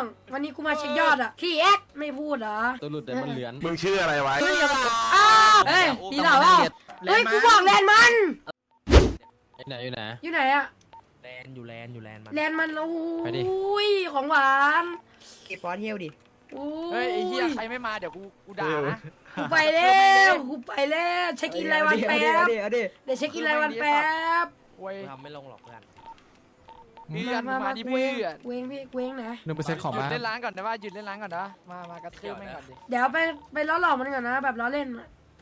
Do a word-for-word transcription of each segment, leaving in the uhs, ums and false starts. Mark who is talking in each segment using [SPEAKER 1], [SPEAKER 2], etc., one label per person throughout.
[SPEAKER 1] วันนี้กูมาเช็คยอดอ่ะขี้แอ๊กไม่พูดเหรอ
[SPEAKER 2] ตัวหลุดแต่มันเหลือน
[SPEAKER 3] มึงชื่ออะไรไว้
[SPEAKER 1] อ้าวเฮ้ยดีเหรอเปล่าเฮ้ยกูบอกแลนมัน
[SPEAKER 2] อยู่ไหนอยู่ไหน
[SPEAKER 1] อยู่ไหนอะ
[SPEAKER 2] แลนอยู่แลนอยู่แลนมัน
[SPEAKER 1] แลนมันโอ้ยของหวาน
[SPEAKER 4] เก็บปอเที่ยวดิ
[SPEAKER 5] เฮ้ยไอ้เหี้ยใครไม่มาเดี๋ยวกูกูด่านะ
[SPEAKER 1] กูไปแล้วกูไปแล้วเช็คอินรายวันแป๊บเดี๋ยวเช็คอินรายวันแป๊บ
[SPEAKER 2] ทำไม่ลงหรอกเพื่อน
[SPEAKER 5] เพื่อนมาดิเพื่อน
[SPEAKER 1] เว้งพี่เว้งนะ
[SPEAKER 2] หนึ่งเปอร์เซ็นต์ของบ้าน
[SPEAKER 5] หยุดเล่นร้านก่อนนะว่าหยุดเล่นร้านก่อนนะมามากระทืบแม่งก่อนดิ
[SPEAKER 1] เดี๋ยวไปไปล้อหลอกมันก่อนนะแบบล้อเล่น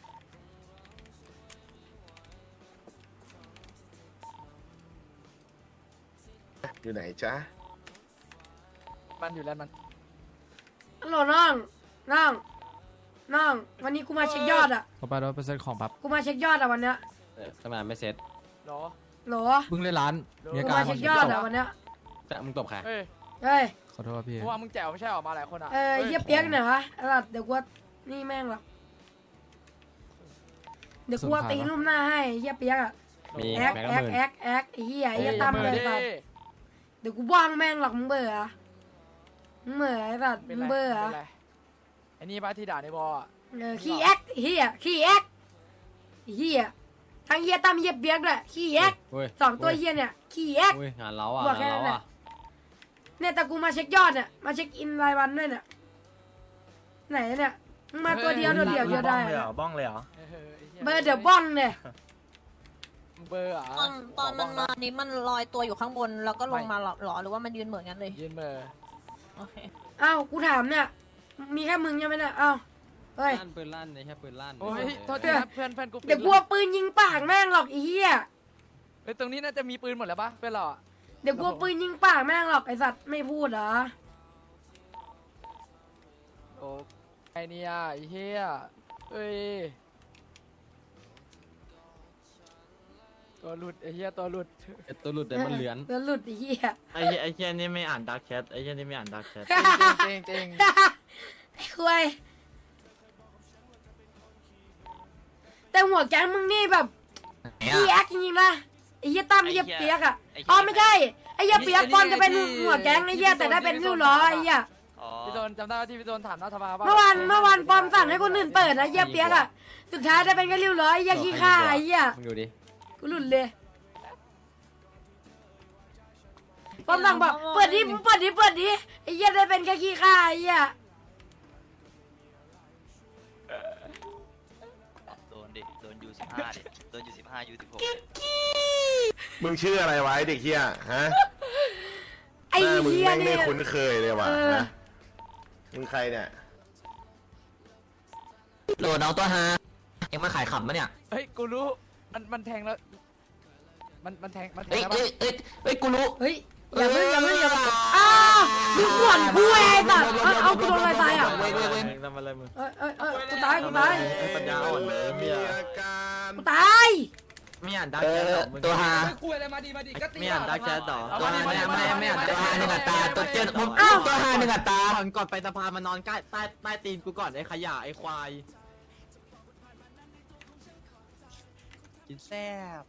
[SPEAKER 3] อยู่ไหนจ๊ะ
[SPEAKER 5] มันอยู่แล้วมัน
[SPEAKER 1] ฮัลโหลน้องน้องน้องวันนี้กูมาเช็คยอดอ่ะ
[SPEAKER 2] ขอไปร้อยเปอร์เซ็นต์ของปั๊บ
[SPEAKER 1] กูมาเช็คยอดอ่ะวันเนี้ย
[SPEAKER 2] ทำไมไม่เซ็ต
[SPEAKER 5] หรอ
[SPEAKER 1] หรอ
[SPEAKER 2] เพิ่งเล่นร้าน
[SPEAKER 1] กูมาเช็คยอดอ่ะวันเนี้ย
[SPEAKER 2] จะมึงตบใคร
[SPEAKER 5] เฮ้ย
[SPEAKER 1] เฮ้ย
[SPEAKER 2] ขอโทษพี่
[SPEAKER 5] เพราะว่ามึงแจ๋วไม่ใช่ออกมาหลายคนอ่ะ
[SPEAKER 1] เออเยี่ยเปียกเนี่ยวะเดี๋ยวกูนี่แม่งหรอกเดี๋ยวกูตีลุ่มหน้าให้เยี่ยเปียกอ่ะแอ๊กแอ๊กแอ๊กแอ๊กไอ้เหี้ยไอ้เหี้ยตั้มเลยสัตว์เดี๋ยวกูบ้างแม่งหรอกมึงเบื่อมึงเบื่อไอ้สัตว์มึงเบื่อ
[SPEAKER 5] ไอ้นี่ป้าที่ด่าในบอล
[SPEAKER 1] เออขี้แอ๊กเหี้ยขี้แอ๊กเหี้ยทั้งเหี้ยตั้มเหี้ยเปียกด้วยขี้แอ๊กสองตัวเหี้ยเนี่ยขี้แอ๊ก
[SPEAKER 2] งานเราอ่ะงานเราอ่ะ
[SPEAKER 1] เนี่ยแต่กูมาเช็คยอดเนี่ยมาเช็คอินรายวันด้วยเนี่ยไหนเนี่ยมึงมาตัวเดียวตัวเดียวเดียวได้
[SPEAKER 3] บ้องเลยเหรอ
[SPEAKER 1] เบอร์เดี๋ยวบ้องเนี่ย
[SPEAKER 5] เบอร์อ่ะ
[SPEAKER 6] ตอนตอนมันมานี้มันลอยตัวอยู่ข้างบนแล้วก็ลงมาหรอหรือว่ามันยืนเหมือนกันเลย
[SPEAKER 5] ยืนเบอร์
[SPEAKER 6] โอเค
[SPEAKER 1] อ้าวกูถามเนี่ยมีแค่มึงใช่ไหมเนี่ยอ้าวเฮ้ย
[SPEAKER 2] ปืนลั่นเลยแค่ปืนลั่น
[SPEAKER 5] โอ้ยโทษทีนะเพื่อนเพื่อนกู
[SPEAKER 1] เดี๋ยวกลัวปืนยิงปากแม่งหรอกไอ้เหี้ย
[SPEAKER 5] เฮ้ยตรงนี้น่าจะมีปืนหมดแล้วปะเพื่อนเรา
[SPEAKER 1] เดี๋ยวกลัวปืนยิงปากแม่งหรอกไอ้สัตว์ไม่พูดเหรอ
[SPEAKER 5] โอ้ไอเนี่ยไอ้เหี้ยเฮ้ยตัวหลุดไอ้เหี้ยตัวหลุด
[SPEAKER 2] ตัวหลุดแต่มันเหลือน
[SPEAKER 1] ตัวหลุดไอ้เหี้ย
[SPEAKER 3] ไอ้ไอ้เหี้ยนี่ไม่อ่านดักแชทไอ้เหี้ยนี่ไม่อ่านดักแชท
[SPEAKER 5] จริงจริง
[SPEAKER 1] ไอ้คุยแต่หัวแก๊งมึงนี่แบบพี่แอ๊กจริงๆนะไอ้เหี้ยตั้มไอ้เหี้ยเปียกอ่ะอ๋อไม่ใช่ไอ้เหี้ยเปียกฟอนจะเป็นหัวแก๊งไอ้เหี้ยแต่ได้เป็นริ้วล้อไอ้เหี้ย
[SPEAKER 5] พี่โดนจำได้ที่พี่โดนถามนัทภา
[SPEAKER 1] เมื่อวานเมื่อวานฟอมสั่งให้คนอื่นเปิดนะเหี้ยเปียกอ่ะสุดท้ายได้เป็นแค่ริ้วล้อไอ้เหี้ยขี้ข้าไอ้เหี้ย
[SPEAKER 2] มึงดูดิ
[SPEAKER 1] กูหลุดเลยฟอมสั่งบอกเปิดดิเปิดดิเปิดดิไอ้เหี้ยได้เป็นแค่ขี้ข้าไอ้เหี้ย
[SPEAKER 7] โดนดิโดนยูสิบห้าดิโดนยูสิบห้ายูสิบหก
[SPEAKER 3] มึงชื่ออะไรไว้เด็กเหี้ยฮะ
[SPEAKER 1] ไอ้เหี้ย
[SPEAKER 3] นี่ไม่คุ้นเคยเลยว่ะมึงใครเนี่ย
[SPEAKER 4] โหลดเอาตัวฮาเอ็งมาขายขำปะเนี่ย
[SPEAKER 5] เฮ้ยกูรู้มันมันแทงแล้วมันมันแทงมันแทงแล้ว
[SPEAKER 4] เฮ้ยเฮ้ยเฮ้ยกูรู้
[SPEAKER 1] เฮ้ยอย่าเพิ่งอย่าเพิ่งอย่าเพิ่งอ้าวมึงขวนกูไอ้สัตว์เอากูโดนอะไรตายอ่ะ
[SPEAKER 3] เว้ยเว้ยเว้ยทำอะไรมึง
[SPEAKER 1] เอ้ยเอ้ยเอ้ยกูตายกูตาย
[SPEAKER 3] ปัญญาอ่อนเลยมีอา
[SPEAKER 1] การกูตาย
[SPEAKER 4] ไม่อ่านดักแชทหรอตัวฮา
[SPEAKER 5] คุยอะไรมาดีมาดีก็ตี
[SPEAKER 4] ไม่อ่านดักแชทหรอตัวฮาไม่ไม่ไม่อ่านตัวฮาหนึ่งอัตราตัวเจ็ดผมอ้าวตัวฮาหนึ่งอัตราก่อนไปสะพานมานอนใกล้ใต้ใต้ตีนกูก่อนไอ้ขยะไอ้ควาย
[SPEAKER 2] กินแซ่บ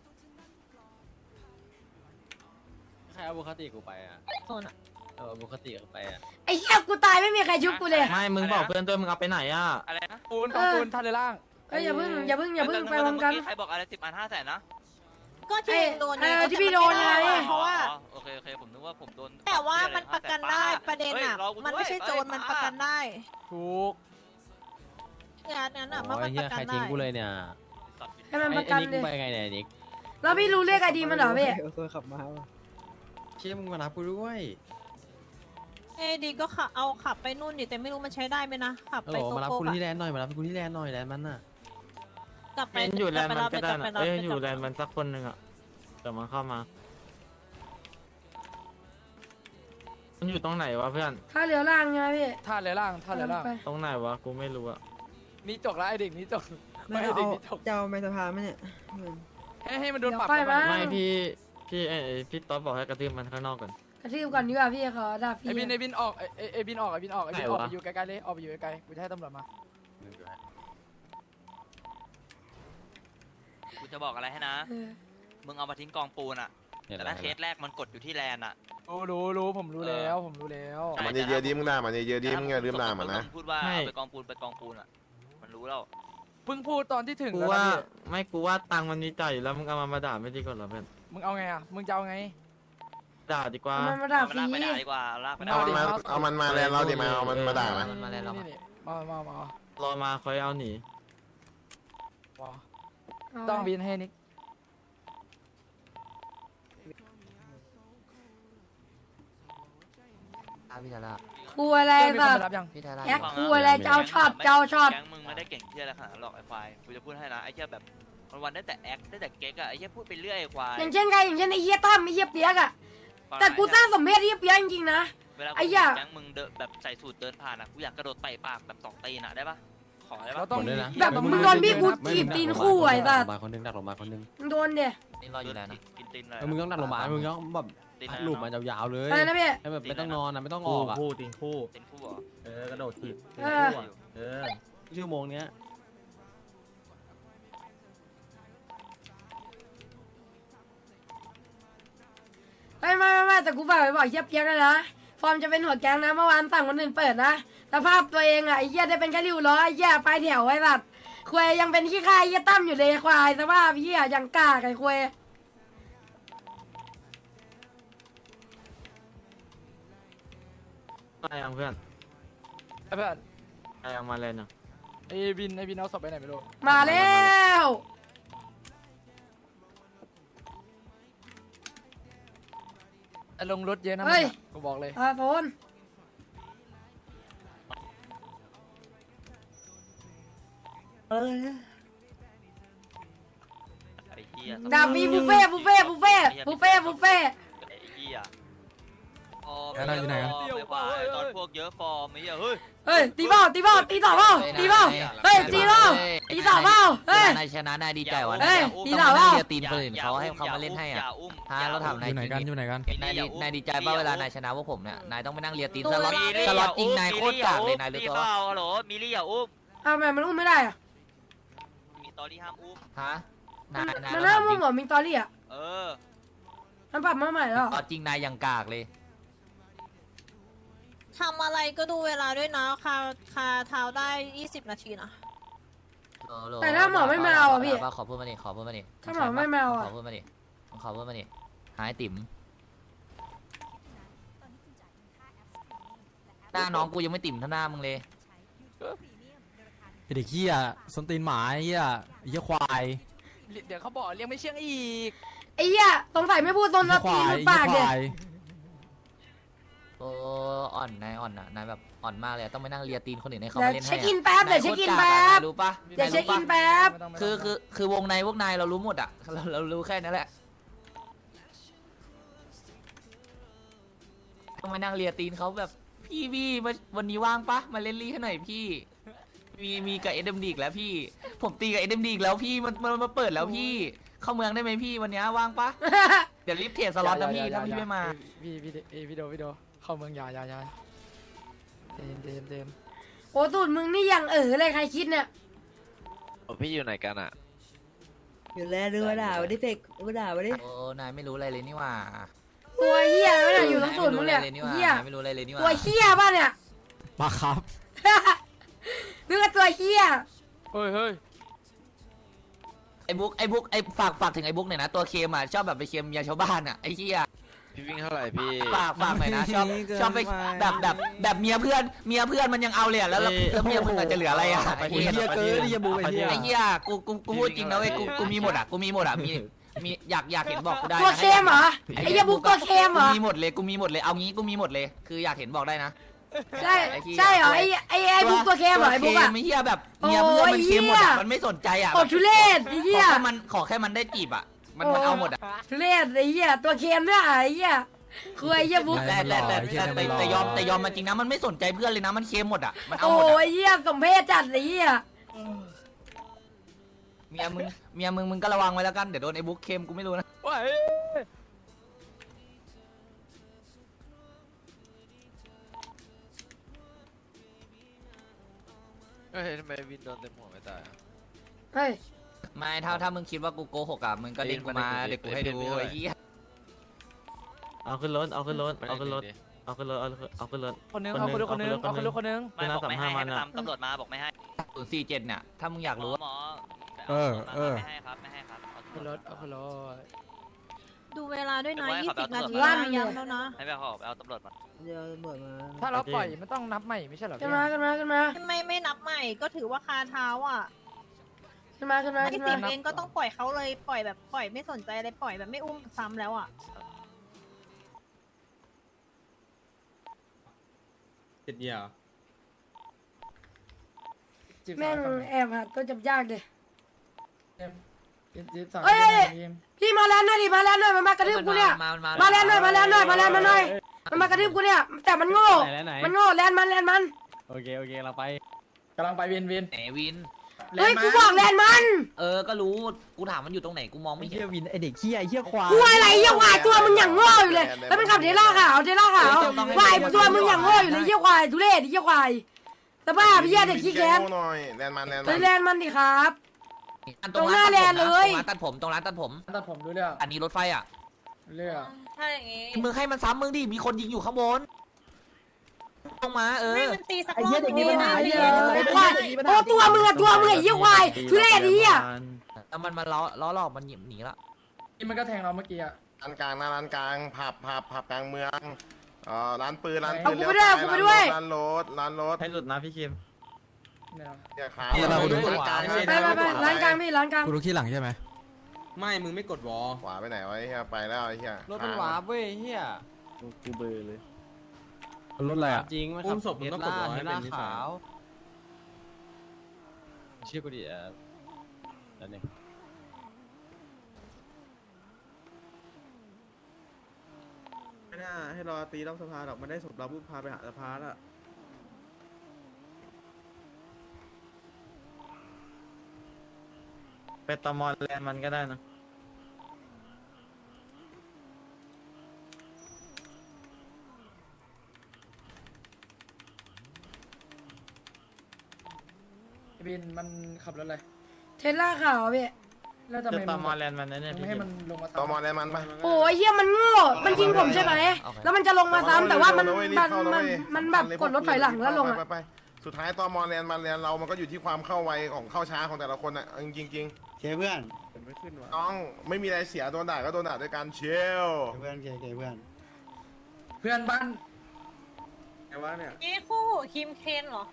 [SPEAKER 2] ใครเอาบุคติกูไปอ่ะเอาบุคติกูไปอ่ะ
[SPEAKER 1] ไอ้เหี้ยกูตายไม่มีใครชุบกูเลย
[SPEAKER 4] ไม่มึงบอกเพื่อนด้วยมึงเอาไปไหนอ่ะ
[SPEAKER 7] อะไรนะ
[SPEAKER 5] ปูนปูนท่าเรือล่าง
[SPEAKER 1] เอ้ยอย่าเพิ่งอย่าเพิ่งอย่าเพิ่งไปพร้อมกัน
[SPEAKER 7] ใครบอกอะไรสิบอันห้าแสนนะ
[SPEAKER 6] ก็ที่โดน
[SPEAKER 1] เออที่พี่โดนไง
[SPEAKER 6] เพราะว่า
[SPEAKER 7] โอเคโอเคผมนึกว่าผมโดน
[SPEAKER 6] แต่ว่ามันประกันได้ประเด็นอ่ะมันไม่ใช่โจรมันประกันได้
[SPEAKER 5] ถูก
[SPEAKER 6] งานนั้นอ่ะมันประกันได้
[SPEAKER 2] ใครทิ้งกูเลยเนี่ย
[SPEAKER 1] ให้มันประกันเลย
[SPEAKER 2] ไปไงเนี่ยนิก
[SPEAKER 1] แล้วพี่รู้เลขไอดีมันเหรอพี่
[SPEAKER 4] ตัวขับมา
[SPEAKER 2] เชี่ยมึงมารับกูด้วย
[SPEAKER 6] เอ้ดีก็ขับเอาขับไปนู่นดิแต่ไม่รู้มันใช้ได้ไหมนะขับไปโกโก้
[SPEAKER 2] มารับกูที่แลนด์หน่อยมารับกูที่แลนด์หน่อยแลนด์มันน่ะ
[SPEAKER 6] กลับไป
[SPEAKER 4] อยู่แลนด์มันก็ได้นะเอ้ยอยู่แลนด์มันสักคนหนึ่งอ่ะแต่มันเข้ามามันอยู่ตรงไหนวะเพื่อน
[SPEAKER 1] ท่าเรือล่างไงพี่
[SPEAKER 5] ท่าเรือล่างท่าเรือล่าง
[SPEAKER 4] ตรงไหนวะกูไม่รู้อ่ะ
[SPEAKER 5] นี่จกแล้วไอเด็กนี่จก
[SPEAKER 4] ไม่ไอเด็กนี่จกจะเอาไม้สะพานไหมเนี่ย
[SPEAKER 5] ให้ให้มันโดนปรับ
[SPEAKER 4] ไม่พี่พี่ไอพี่ต๊อบบอกให้กระทืบมันข้างนอกก่อน
[SPEAKER 1] กระทืบก่อนดีกว่าพี่ขอด่าพี่
[SPEAKER 5] ไอบินไอบินออกไอไอบินออกไอบินออกไอบินออกไปอยู่ไกลๆเลยออกไปอยู่ไกลๆกูจะให้ตำรวจมา
[SPEAKER 7] กูจะบอกอะไรให้นะมึงเอามาทิ้งกองปูนอ่ะแต่ถ้าเคสแรกมันกดอยู่ที่แลนด์อะ
[SPEAKER 5] รู้รู้รู้ผมรู้แล้วผมรู้แล้ว
[SPEAKER 3] มันเยอะๆดิมึงด่ามันเยอะๆดิมึงอย่าลืมด่ามันนะ
[SPEAKER 7] พูดว่าเอาไปกองปูนไปกองปูนอะมันรู้แล้ว
[SPEAKER 5] เพิ่งพูดตอนที่ถึง
[SPEAKER 4] กู
[SPEAKER 5] แล้ว
[SPEAKER 4] ว่า
[SPEAKER 5] นะพี่
[SPEAKER 4] ไม่กูว่าตังค์มันมีจ่ายอยู่แล้วมึงเอามามาด่าไม่ดีกว่าเหรอเพื่อน
[SPEAKER 5] มึงเอาไงอ่ะมึงจะเอาไง
[SPEAKER 4] ด่าดีกว่า
[SPEAKER 1] มันมาด่า
[SPEAKER 7] เอา
[SPEAKER 1] ฟ
[SPEAKER 7] มัน
[SPEAKER 1] รี
[SPEAKER 7] ลากไปด่าดีกว่าลากไปด่า
[SPEAKER 3] เอามันมาเอามันมาแลนเราดิมาเอามันมาด่า
[SPEAKER 4] เอ
[SPEAKER 3] มา
[SPEAKER 4] อ
[SPEAKER 5] มาแล้วมามามา
[SPEAKER 4] รอมาคอยเอาหนี
[SPEAKER 5] มา
[SPEAKER 1] เอา
[SPEAKER 5] ต้องบินให้นิก
[SPEAKER 8] พี่ทาร่า
[SPEAKER 1] ครัวอะไร
[SPEAKER 5] เพื่อนมีคน
[SPEAKER 1] แบบ
[SPEAKER 5] มารับยัง
[SPEAKER 8] พี่ทาร่า
[SPEAKER 1] แอคครัวอะไรเจ้าช็อตเจ้าช็อต
[SPEAKER 7] แก๊งมึงไม่ได้เก่งเที่ยอะไรขนาดนั้นหรอกไอ้ควายกูจะพูดให้นะไอ้เหี้ยแบบวันๆได้แต่แอคได้แต่เก๊กอะไอ้เหี้ยพูดไปเรื่อยไอ้ควาย
[SPEAKER 1] อย่างเช่นใครอย่างเช่นไอ้เหี้ยตั้มไอ้เหี้ยเปียกอะแต่กูสร้างสมเพศไอ้เหี้ยเปียกจริงๆนะ
[SPEAKER 7] เวลา
[SPEAKER 1] ไอ้
[SPEAKER 7] กู
[SPEAKER 1] เหี้ย
[SPEAKER 7] แก๊งมึงเดินแบบใส่สูตรเดินผ่านอะกูอยากกระโดดเตะปากแบบสองตีนอะได้ปะขอได้
[SPEAKER 5] เรา
[SPEAKER 7] ปะ
[SPEAKER 5] ต้อง
[SPEAKER 1] แบบมึงโดนพี่กูจีบตีนคู่ไอ้สัส
[SPEAKER 2] มาคนนึงดักลงมาคนนึง
[SPEAKER 1] มึงโดนเดี๋ย
[SPEAKER 8] นี่รออยู่แล้วนะ
[SPEAKER 7] กินตีนเลย
[SPEAKER 2] แล้วมึงต้องดักลงมามึงต้องแบบ
[SPEAKER 7] ตีน
[SPEAKER 2] หลุมมายาวๆเลย
[SPEAKER 1] อะไรนะพี่
[SPEAKER 2] ให้แบบไม่ต้องนอนนะไม่ต้องอ
[SPEAKER 4] คู่
[SPEAKER 2] อกอ่ะ
[SPEAKER 4] คู่ติงคู่
[SPEAKER 7] ตีนคู่เหรอ
[SPEAKER 2] เออกระโดดถีบ
[SPEAKER 1] เออ
[SPEAKER 2] เออชั่วโมงเนี้ย
[SPEAKER 1] ไม่ไม่ไม่ไม่แต่กูฝากไปบอกไอ้เหี้ยเปียกเลยนะฟอร์มจะเป็นหัวแก๊งนะเมื่อวานสั่งคนอื่นเปิดนะสภาพตัวเองอะไอ้เหี้ยได้เป็นแค่ริ้วล้อไอ้เหี้ยปลายแถวไอ้สัสควายยังเป็นขี้ข้าไอ้เหี้ยตั้มอยู่เลยควายสภาพเหี้ยยังกล้าไอ้ควาย
[SPEAKER 4] อะไรยังเพื่อน
[SPEAKER 5] ไอ้เพื่อน
[SPEAKER 4] อะไรยังมาเลยเนาะ
[SPEAKER 5] ไอ้บินไอ้บินเอาศพไปไหนไม่รู้
[SPEAKER 1] มาแล้ว
[SPEAKER 5] ไอ้ลงรถเยอะนะ
[SPEAKER 1] เฮ้ย
[SPEAKER 5] กูบอกเลย
[SPEAKER 1] อาโฟน
[SPEAKER 7] ไอ้เหี้ย
[SPEAKER 1] ดาบีบุฟเฟ่บุฟเฟ่บุฟเฟ่บุฟเฟ่บุฟเฟ่
[SPEAKER 7] ไอ้เหี้ยฟอร์ม
[SPEAKER 2] แล้วเราอยู่ไหนกัน
[SPEAKER 7] ฟอร์มไอ้ควายตอนพวกเยอะฟอร์มไอ้เหี้ยเฮ้ย
[SPEAKER 1] เฮ้ยตีเบ้าตีเบ้าตีต่อเบ้าตีเบ้าเฮ้ยตีเบ้าตีต่อเบ้าเฮ้ย
[SPEAKER 8] นายชนะนายดีใจวะ
[SPEAKER 1] เฮ้ย
[SPEAKER 8] ต้อง
[SPEAKER 1] ตี
[SPEAKER 8] มา
[SPEAKER 1] ต่อเปล่า
[SPEAKER 8] เรียกตีนคนอื่นเขาให้เขามาเล่นให้อ่ะ
[SPEAKER 7] อย่าอุ้ม
[SPEAKER 8] ฮะเราถามนาย
[SPEAKER 2] อยู่ไหนกันอยู่ไหนกัน
[SPEAKER 8] นายดีนายดีใจป่ะเวลานายชนะพวกผมเนี่ยนายต้องไปนั่งเรียกตีนสล็อต
[SPEAKER 7] มีลี่
[SPEAKER 8] สล็อต
[SPEAKER 7] อย่า
[SPEAKER 8] ยิง
[SPEAKER 7] อุ้ม
[SPEAKER 8] นายโคตรกากเลยนายรู้
[SPEAKER 7] มี
[SPEAKER 8] ตัว
[SPEAKER 7] เป
[SPEAKER 8] ปะ
[SPEAKER 7] ล่าฮัลโหลมิลี่อย่าอุ้ม
[SPEAKER 1] อ้าวทำไมมันอุ้มไม่ได้อะ
[SPEAKER 7] มีตอรี่ห้ามอุ้ม
[SPEAKER 8] ฮะนายนาย
[SPEAKER 1] มัน
[SPEAKER 8] เรา
[SPEAKER 1] น่า
[SPEAKER 8] ถามจ
[SPEAKER 1] มุ่
[SPEAKER 8] ริ
[SPEAKER 1] ง
[SPEAKER 8] ง
[SPEAKER 1] เหรอมิงตอรี่อะ
[SPEAKER 7] เออ
[SPEAKER 1] มันปรับมาใหม่แล้วเหรอ
[SPEAKER 8] ตอนจริงนายยังกากเลย
[SPEAKER 6] ทำอะไรก็ดูเวลาด้วยนะคาคาเท้าได้ยี่สิบนาทีนะ
[SPEAKER 8] โลโล
[SPEAKER 1] แต่ถ้าหมอไม่มาเอาอะพี่
[SPEAKER 8] ขอพูดมาดิขอพูดมาดิ
[SPEAKER 1] ถ้าหมอไม่มาเอาอะ
[SPEAKER 8] ขอพูดมาดิขอพูดมาดิหายติ๋มหน้าน้องกูยังไม่ติ่มเท่าหน้ามึงเลย
[SPEAKER 2] ไอ้เด็กเหี้ยส้นตีนหมาไอ้เหี้ยไอ้เหี้ยควาย
[SPEAKER 5] เดี๋ยวเขาบอกเรียกไม่เชื่องอีก
[SPEAKER 1] ไอ้เหี้ยสงสัยไม่พูดตน
[SPEAKER 2] ไอ้
[SPEAKER 1] ละ
[SPEAKER 2] ควา
[SPEAKER 1] ตี
[SPEAKER 2] ย
[SPEAKER 1] หลุด
[SPEAKER 2] ไอ้
[SPEAKER 1] ปาก
[SPEAKER 2] ค
[SPEAKER 1] เดี๋ยว
[SPEAKER 2] วาย
[SPEAKER 8] โอ้อ่อนนายอ่อนอ่ะนายแบบอ่อนมากเลยต้องไปนั่งเลียตีนคนอื่นให้เขา
[SPEAKER 1] เดี๋ยว
[SPEAKER 8] มาเล่นให้
[SPEAKER 1] เช็คอินแป๊บเดี๋ยวเช็คอินแป๊บ
[SPEAKER 8] รู้ปะ
[SPEAKER 1] เดี๋ยวเช็คอินแป๊บ
[SPEAKER 5] ไม่ต้งไม่ต้ง
[SPEAKER 8] คือคือคือวงในพวกนายเรารู้หมดอ่ะเราเรารู้แค่นั้นแหละต้องมานั่งเลียตีนเขาแบบพี่พี่มาวันนี้ว่างปะมาเล่นลี่ให้หน่อยพี่ มีมีกับเอ็มดีกแล้วพี่ ผมตีกับเอ็มดีกแล้วพี่มันมันมาเปิดแล้วพี่ เข้าเมืองได้ไหมพี่วันนี้ว่างปะเดี๋ยวรีบเทรดสล็อตนะพี่ถ้าพี่ไม่มา
[SPEAKER 5] พี่พี่เอพี่โดพี่โดเข้าเมืองยายายาเจนเจนเจน
[SPEAKER 1] โอ้ตูดมึงนี่ยังเออเลยใครคิดเนี่ย
[SPEAKER 9] พี่อยู่ไหนกันอ่ะ
[SPEAKER 10] อยู่แล้วดูว่าด่าวันนี้เฟกดูว่าด่าวันนี้
[SPEAKER 8] โอ้นายไม่รู้อะไรเลยนี่หว่า
[SPEAKER 1] ตัวเหี้ยไม่ได้อยู่ตรงตูดมึงเนี่ย
[SPEAKER 8] าไม่รู้อะไรเลยนี่หว่า
[SPEAKER 1] เหี้ย
[SPEAKER 8] นายไม่รู้อะไรเลยนี่ห
[SPEAKER 1] ตัว
[SPEAKER 8] ว่า
[SPEAKER 1] เหี้ยป่ะเนี่ย
[SPEAKER 2] มาครับ
[SPEAKER 1] นึกว่าตัวเหี้ย
[SPEAKER 5] เฮ้ยเฮ้ย
[SPEAKER 8] ไอ้บุ๊กไอ้บุ๊กไอ้ฝากฝากถึงไอ้บุ๊กหน่อยนะตัวเคมอ่ะชอบแบบไปเคมยาชาวบ้านอ่ะไอ้เหี้ย
[SPEAKER 9] พี่วิ่งเท่าไหร่พี่
[SPEAKER 8] ฝากฝากหน่อยนะชอบชอบไปแบบแบบแบบเมียเพื่อนเมียเพื่อนมันยังเอาเลยอะแล้วแล้วแล้วเมียมึงอาจจะเหลืออะไรอ่ะไอ้
[SPEAKER 2] ไอ้
[SPEAKER 8] เหี้ย
[SPEAKER 2] เหี้ยเกินไอ้เหี้ยบูไอ้เหี้ย
[SPEAKER 8] ไอ้เหี้ยกูกูกูพูดจริงนะเว้ยกูกูมีหมดอ่ะกูมีหมดอ่ะมีมีอยากอยากเห็นบอกกูได้นะ
[SPEAKER 1] ตัวเคมเหรอไอ้เหี้ยบุ๊กตัวเคมเหร
[SPEAKER 8] กู
[SPEAKER 1] อ
[SPEAKER 8] มีหมดเลยกูมีหมดเลยเอางี้กูมีหมดเลยคืออยากเห็นบอกได้นะ
[SPEAKER 1] ใช่ใช่เหรอไอ้ไอ้ไอ้บุ๊กตัวเคมเหรอไอ้บุ๊กอะ
[SPEAKER 8] ไม่เหี้ยแบบเมียเพื่อนมันเคมหมดอ่ะมันไม่สนใจอ่ะ
[SPEAKER 1] โอ้ทุเรศไอ้
[SPEAKER 8] ข
[SPEAKER 1] เหี้
[SPEAKER 8] อย แค่มันขอแค่มันได้จีบอ่ะมันมันเอาหมดอ่ะ
[SPEAKER 1] ทุเรศไอ้เหี้ยตัวเคมเนี่ยไอ้เหี้ยคือไอ้เหี้ยบุ๊ก
[SPEAKER 8] แต่แต่แต่แต่แต่แต่ยอมแต่ยอมมันจริงนะมันไม่สนใจเพื่อนเลยนะมันเคมหมดอ่ะมันเอา
[SPEAKER 1] โอ้
[SPEAKER 8] หมดอ่ะ
[SPEAKER 1] ยเหี้ยสมเพศจัดไอ้เหี้ย
[SPEAKER 8] เมียมึงเมียมึงมึงก็ระวังไว้แล้วกันเดี๋ยวโดนไอ้บุ๊กเคมกูไม่รู้นะ
[SPEAKER 5] ว้าย
[SPEAKER 9] เฮ้ยทำไมวินโดนเต็มหัวไม่ตายอะ
[SPEAKER 1] เฮ้ย
[SPEAKER 8] ไม่ถ้าถ้ามึงคิดว่ากูโกหกอ่ะมึงก็เล่นกูมา
[SPEAKER 9] เอ้ย
[SPEAKER 8] เดี๋ยวกูให้ดู
[SPEAKER 9] เอ้ย
[SPEAKER 8] ไอ้เหี้ย
[SPEAKER 4] เอาขึ้นรถเอาขึ้นรถเอาขึ้นรถเอาขึ้นรถเอาเอาขึ้นรถ
[SPEAKER 5] คนนึงเอาคนนึงคนนึงเอาคนนึงคนนึง
[SPEAKER 7] ไม่บอกไม่ให้ให้ไปตามตำรวจมาบอกไม่ให้
[SPEAKER 8] ศูนย์สี่เจ็ดเนี่ยถ้ามึงอยาก
[SPEAKER 7] หม
[SPEAKER 8] รู้
[SPEAKER 7] อหมอ
[SPEAKER 11] เออเออ
[SPEAKER 7] ไม่ให้ครับไม่ให้ครับเอา
[SPEAKER 5] ขึ้นรถเอาขึ้นรถ
[SPEAKER 6] ดูเวลาด้วยนะ
[SPEAKER 7] เดี๋ยวไว้
[SPEAKER 6] ยี่
[SPEAKER 7] ขับ
[SPEAKER 6] สิบ
[SPEAKER 7] เอา
[SPEAKER 6] นาที
[SPEAKER 7] ตำรวจ
[SPEAKER 6] นะยังแล้วนะ
[SPEAKER 7] ให้ไปขอเอาตำรวจมา
[SPEAKER 10] เดี๋ยวตำรวจมา
[SPEAKER 5] ถ้าเราปล่อยมันต้องนับใหม่ไม่ใช่เหรอ
[SPEAKER 1] ขึ้น
[SPEAKER 5] พี่
[SPEAKER 1] มาขึ้นมาขึ้นมา
[SPEAKER 6] ไม่ไม่นับใหม่ก็ถือว่าคาเท้าอ่ะ
[SPEAKER 1] ขึ้นมาขึ้นมา
[SPEAKER 6] ไม่
[SPEAKER 1] ขึ้น
[SPEAKER 6] สิ
[SPEAKER 1] มา
[SPEAKER 6] บเองก็ต้องปล่อยเขาเลยปล่อยแบบปล่อยไม่สนใจอะไรปล่อยแบบไม่อุ้มซ้ำแล้วอ่ะ
[SPEAKER 11] เจ็ดเดียว
[SPEAKER 5] จีบ
[SPEAKER 1] แม่ง
[SPEAKER 5] สาว
[SPEAKER 1] แอบหาตัวจับยากเลย
[SPEAKER 5] จีบจีบสาว
[SPEAKER 1] เอ้ย
[SPEAKER 5] ทีม
[SPEAKER 1] พี่มาแล้วหน่อยดิมาแล้วหน่อยมันมากระทืบกูเนี่ย
[SPEAKER 8] มามา
[SPEAKER 1] มาแล้วหน่อยมาแล้วหน่อยมาแล้วมาหน่อยมันมากระทืบกูเนี่ยแต่มันโง่
[SPEAKER 2] ไหนแล้วไหน
[SPEAKER 1] มันโง่แลนมันแลนมัน
[SPEAKER 2] โอเคโอเคเราไป
[SPEAKER 5] กำลังไปวินวิน
[SPEAKER 8] ไหนวิน
[SPEAKER 1] เฮ้ยกูบอกแลนมัน
[SPEAKER 8] เออก็รู้กูถามมันอยู่ตรงไหนกูมองไม่เห็น
[SPEAKER 2] เฮียวินไอเด็กขี้ไอเฮียควาย
[SPEAKER 1] กูอะไรเยี่ยวควายตัวมึงอย่างโง่อยู่เลยแล้วมันขับเทล่าขาวเทล่าขาวควายตัวมึงอย่างโง่อยู่เลยเยี่ยวควายทุเรศเยี่ยวควายแต่บ้าพี่เด็กขี้แค้น
[SPEAKER 3] หน่อยแลนด์มันแลนด์
[SPEAKER 1] ไป
[SPEAKER 3] มัน
[SPEAKER 1] แลนมันดิครับ
[SPEAKER 8] อัน
[SPEAKER 1] ตรงหน้าแลนเลย
[SPEAKER 8] ตรงร้านตัดผมตรงร้านตัดผม
[SPEAKER 5] ตัดผมดูเรื่อง
[SPEAKER 8] อันนี้รถไฟอ่ะ
[SPEAKER 5] เรื่อง
[SPEAKER 6] ถ้าอย่างงี้
[SPEAKER 8] มึงให้มันซ้ำมึงดิมีคนยิงอยู่ข้างบนลงมาเออ
[SPEAKER 6] ให้มันตีสักรอบนึง
[SPEAKER 1] ไอ้เหี้ยไอ้ควายโอ้ตัวมึงอะตัวมึงไอ้เยี่ยวควายทุเรศนี้อ่ะ
[SPEAKER 8] แล้วมันมาล้อล้อหลอกมันหนีหนีละ
[SPEAKER 5] นี่มันก็แทงเราเมื่อกี้อ่ะ
[SPEAKER 3] ร้านกลางนะร้านกลางผับผับผับกลางเมืองเอ่อร้านปืนร้านปื
[SPEAKER 1] เอา
[SPEAKER 3] น
[SPEAKER 1] กูไปด้วยเอากูไปด้วย
[SPEAKER 3] ร้านรถร้านรถ
[SPEAKER 4] ให้หลุดนะพี่คิม
[SPEAKER 5] เนี่ย
[SPEAKER 3] เนี่ยขา
[SPEAKER 11] เนี่ยเราดู
[SPEAKER 3] ร้านกลาง
[SPEAKER 1] ไปไปไปร้านกลางพี่ร้านกลาง
[SPEAKER 11] กูรู้ที่หลังใช่ไหม
[SPEAKER 4] ไม่มึงไม่กดวอล
[SPEAKER 3] ขวาไปไหนวะไอ้เฮียไปแล้วไอ้เฮีย
[SPEAKER 2] รถมันหวาบเว้ยเฮีย
[SPEAKER 9] กูเบอร์เลย
[SPEAKER 11] รถอะไรอ่ะ
[SPEAKER 2] จริงมันขับเทสลาเทสลาขาวเชื่อกูดิอ่ะนั่นเอง
[SPEAKER 4] ไม่น่าให้รอตีรอบสภาหรอกมันได้ศพเราปุ๊บพาไปหาสภาละไปตอมอแลนมันก็ได้นะ
[SPEAKER 5] วินมันขับรถอะไร
[SPEAKER 1] เทสล่าขาวพี่
[SPEAKER 5] แล้วทำไม
[SPEAKER 4] ต
[SPEAKER 5] มึ
[SPEAKER 4] อง มอแลนมันนั่นเนี่ย
[SPEAKER 5] มึงให้มันลงมา
[SPEAKER 3] ตอมอแลนด์มันไป
[SPEAKER 1] โอ้ยเยี่ยมันโง่มันยิงผมใช่ไหมแล้วมันจะลงมาซ้ำแต่ว่ามันมันมันมันแบบกดรถถอยหลังแล้วลงอ่ะ
[SPEAKER 3] ไปไปสุดท้ายตอมอแลนด์มันแลนด์เรามันก็อยู่ที่ความเข้าไวของเข้าช้าของแต่ละคนอ่ะจริงจริง
[SPEAKER 11] เคเพื่อน
[SPEAKER 4] ไม่ขึ้นว่ะ
[SPEAKER 3] ๆน้องไม่มีอะไรเสียโดนด่าก็โดนด่าด้วยการเชล
[SPEAKER 11] เพื่อนเคเคเพื่อน
[SPEAKER 5] เพื่อนบ้าน
[SPEAKER 4] ไงวะเนี่ย
[SPEAKER 6] นี่คู่คิมเคนเหรอ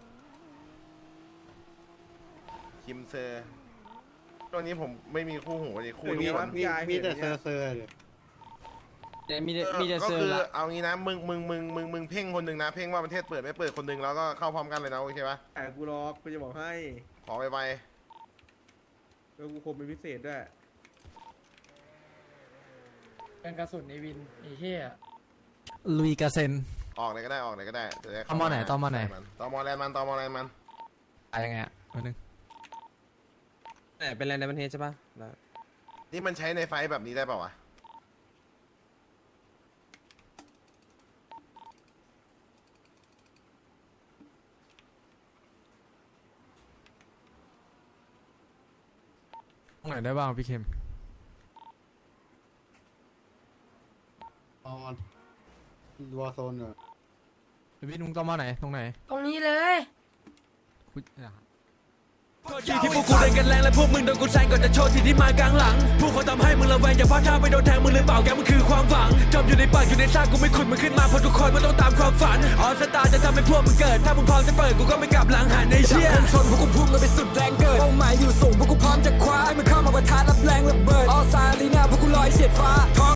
[SPEAKER 3] คิมเซอร์ช่วงนี้ผมไม่มีคู่หูเลยคู่
[SPEAKER 4] มี
[SPEAKER 3] นี้
[SPEAKER 4] มีมีแต่เซอร์เซอร์
[SPEAKER 2] แต่มีแต่มีแต่
[SPEAKER 3] ก็
[SPEAKER 2] เซอ
[SPEAKER 3] คือ
[SPEAKER 2] ร์ละ
[SPEAKER 3] เอางี้นะมึงมึงมึงมึงมึงเพ่งคนหนึ่งนะเพ่งว่าประเทศเปิดไม่เปิดคนหนึ่งแล้วก็เข้าพร้อมกันเลยนะโอเคปะ
[SPEAKER 4] แต่กูรอกูจะบอกให้
[SPEAKER 3] ขอไปไป
[SPEAKER 4] แล้วกูคมเป็นพิเศษด้วย
[SPEAKER 5] เป็นกระสุนในวินไอ้เหี้ย
[SPEAKER 11] ลุยกาเซน
[SPEAKER 3] ออกไหนก็ได้ออกไหนก็ได้จะด้เข้า
[SPEAKER 11] ตมไหนตมไหน
[SPEAKER 3] ตมแลนด์มันตมแลนด์มัน
[SPEAKER 11] อะไรยังไงอ่ะนิดนึง
[SPEAKER 4] แต่เป็นแลนด์ในประเทศใช่ปะ
[SPEAKER 3] นี่มันใช้ในไฟท์แบบนี้ได้เปล่าวะ
[SPEAKER 11] ตรงไหนได้บ้างพี่เคมอ๋อวอร์โซนเหรอพี่นุ้งต้องมาไหนตรงไหน
[SPEAKER 1] ตรงนี้เลย
[SPEAKER 11] อุ๊ยอ่ะ
[SPEAKER 12] ที่ที่พวกกูเล่นกันแรงและพวกมึงโดนกูแซงก่อนจะโชว์ที่ที่มากลางหลังพวกเขาทำให้มึงระแวงอย่าพลาดท่าไปโดนแทงมึงหรือเปล่าแกมันคือความหวังจมอยู่ในปากอยู่ในซากกูไม่ขุดมึงขึ้นมาเพราะทุกคนมันต้องตามความฝันออสตาจะทำให้พวกมึงเกิดถ้ามึงพร้อมจะเปิดกูก็ไม่กลับหลังหันในเชี่ยชนพวกกูพุ่งกันไปสุดแรงเกิดเป้าหมายอยู่สูงพวกกูพร้อมจะคว้าให้มึงเข้ามาประทะรับแรงระเบิดออสตาลีน่าพวกกูลอยเฉียดฟ้าท้อง